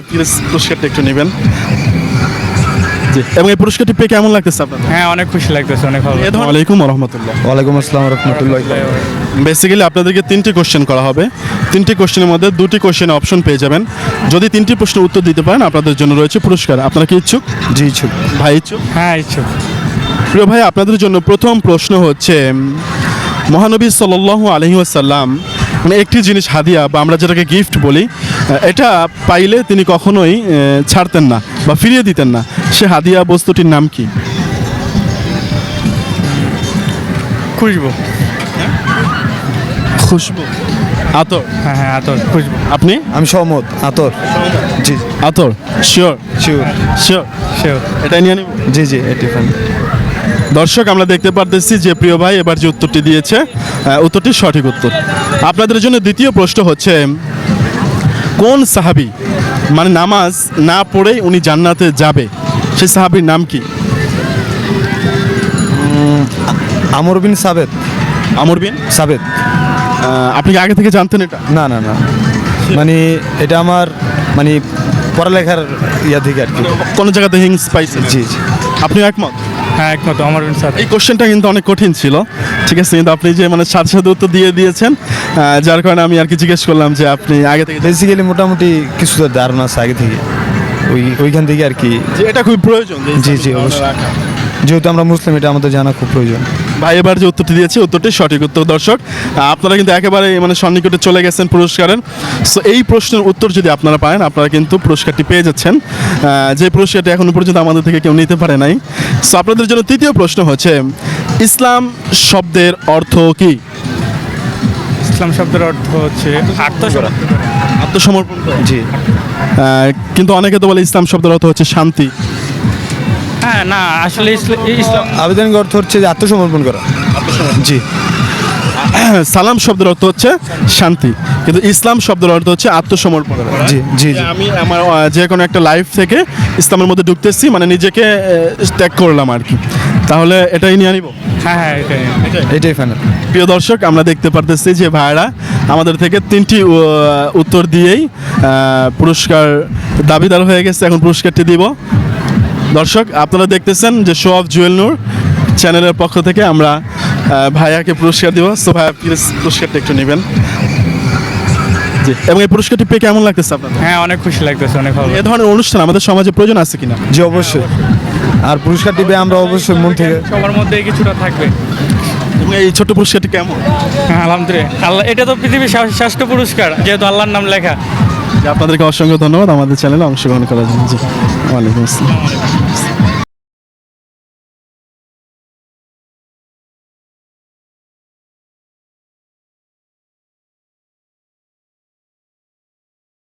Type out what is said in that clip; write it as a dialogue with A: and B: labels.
A: Please পুরস্কারটা একটু নেবেন। জি, এবং এই পুরস্কারটি পেয়ে কেমন লাগতেছে আপনার?
B: হ্যাঁ, অনেক খুশি লাগতেছে, অনেক ভালো।
A: আসসালামু আলাইকুম ওয়া রাহমাতুল্লাহ।
C: ওয়ালাইকুম আসসালাম রহমতুল্লাহ।
A: বেসিক্যালি আপনাদেরকে 3টি কোশ্চেন করা হবে। 3টি কোশ্চেনের মধ্যে 2টি কোশ্চেনে অপশন পেয়ে যাবেন। যদি 3টি প্রশ্নের উত্তর দিতে পারেন আপনাদের জন্য রয়েছে পুরস্কার। আপনারা কি ইচ্ছুক?
C: জি ইচ্ছুক।
A: ভাই ইচ্ছুক?
B: হ্যাঁ, ইচ্ছুক।
A: প্রিয় ভাই, আপনাদের জন্য প্রথম প্রশ্ন হচ্ছে মহানবী সাল্লাল্লাহু আলাইহি ওয়াসাল্লাম মানে একটি জিনিস হাদিয়া বা আমরা যেটাকে গিফট বলি, এটা পাইলে তিনি কখনোই ছাড়তেন না বা ফিরিয়ে দিতেন না। সে হাদিয়া বস্তুটির নাম কি?
B: খুশবু।
A: খুশবু, আতর।
B: হ্যাঁ হ্যাঁ, আতর, খুশবু।
A: আপনি?
C: আমি সহমত। আতর। জি
A: আতর শিওর?
C: শিওর।
A: শিওর,
B: সেও।
A: এটাই নিয়ে নিব।
C: জি জি এটি ফাইন।
A: দর্শক, আমরা দেখতে পারতেছি যে প্রিয় ভাই এবার যে উত্তরটি দিয়েছে উত্তরটি সঠিক উত্তর। আপনাদের জন্য দ্বিতীয় প্রশ্ন হচ্ছে কোন সাহাবী মানে নামাজ না পড়েই উনি জান্নাতে যাবে, সেই সাহাবীর নাম কি?
C: আমর বিন সাবেত।
A: আমর বিন
C: সাবেত।
A: আপনি কি আগে থেকে জানতেন এটা?
C: না না না, মানে এটা আমার মানে পড়ালেখার ইয়া থেকে আর কি।
A: কোন জায়গাতে হিংস পাইছেন?
C: জি জি।
A: আপনি একমত?
B: হ্যাঁ, একমত, আমার সাথে।
A: এই কোশ্চেনটা কিন্তু অনেক কঠিন ছিল, ঠিক আছে, কিন্তু আপনি যে মানে সাথে সাথে উত্তর দিয়ে দিয়েছেন, যার কারণে আমি আর কি জিজ্ঞেস করলাম যে আপনি আগে থেকে
C: বেসিক্যালি মোটামুটি কিছু তো ধারণা আছে আগে থেকে, ওইখান থেকে আর কি।
A: যে এটা খুবই প্রয়োজন যে
C: জি জি
A: ইসলামী
C: অবশ্যই,
A: রাখা।
C: যেহেতু আমরা মুসলিম এটা আমাদের জানা খুব প্রয়োজন।
A: ভাই এবার যে উত্তরটি দিয়েছে উত্তরটি সঠিক উত্তর। দর্শক, আপনারা কিন্তু একেবারে মানে সন্নিকটে চলে গেছেন পুরস্কারের। সো এই প্রশ্নের উত্তর যদি আপনারা পান আপনারা কিন্তু পুরস্কারটি পেয়ে যাচ্ছেন, যে পুরস্কারটি এখনো পর্যন্ত আমাদের থেকে কেউ নিতে পারে নাই। সো আপনাদের জন্য তৃতীয় প্রশ্ন হচ্ছে ইসলাম শব্দের অর্থ কি?
B: ইসলাম শব্দের অর্থ হচ্ছে আত্মসমর্পণ।
A: আত্মসমর্পণ করা।
C: জি।
A: কিন্তু অনেকে তো বলে ইসলাম শব্দের অর্থ হচ্ছে শান্তি।
B: হ্যাঁ, না, আসলে ইসলাম
C: আবেদন অর্থ হচ্ছে যে আত্মসমর্পণ করা। জি।
A: সালাম শব্দের অর্থ হচ্ছে শান্তি, কিন্তু ইসলাম শব্দের অর্থ হচ্ছে আত্মসমর্পণ করা।
C: জি জি
A: যে
C: জি।
A: আমি আমার যে কোনো একটা লাইফ থেকে ইসলামের মধ্যে ঢুকতেছি, মানে নিজেকে ত্যাগ করলাম আর কি। তাহলে এটাই নিয়ে নিব।
B: হ্যাঁ হ্যাঁ, এটাই।
C: এটাই ফাইনাল।
A: প্রিয় দর্শক, আমরা দেখতে পারতেছি যে ভাইরা আমাদের থেকে 3টি উত্তর দিয়েই পুরস্কার দাবিদার হয়ে গেছে। এখন পুরস্কারটি দিব। দর্শক, আপনারা দেখতেছেন যে শো অফ জুয়েল নূর চ্যানেলের পক্ষ থেকে আমরা ভাইয়াকে পুরস্কার দিব। সো ভাইয়া প্লিজ পুরস্কারটা একটু নেবেন। জি, এবং এই পুরস্কারটি পেয়ে কেমন লাগতেছে আপনার?
B: হ্যাঁ, অনেক খুশি লাগতেছে, অনেক ভালো।
A: এ ধরনের অনুষ্ঠান আমাদের সমাজে প্রয়োজন আছে কিনা?
C: জি অবশ্যই। আর পুরস্কার দিবে আমরা অবশ্যই মন থেকে।
B: সবার মধ্যে কিছুটা থাকবে।
A: এবং এই ছোট্ট পুরস্কারটি কেমন?
B: হ্যাঁ, আলহামদুলিল্লাহ। আল্লাহ, এটা তো পৃথিবীর শ্রেষ্ঠ পুরস্কার, যেহেতু আল্লাহর নাম লেখা।
A: আপনাদেরকে অসংখ্য ধন্যবাদ আমাদের চ্যানেলে অংশগ্রহণ করার জন্য। জি, ওয়ালাইকুম আসসালাম।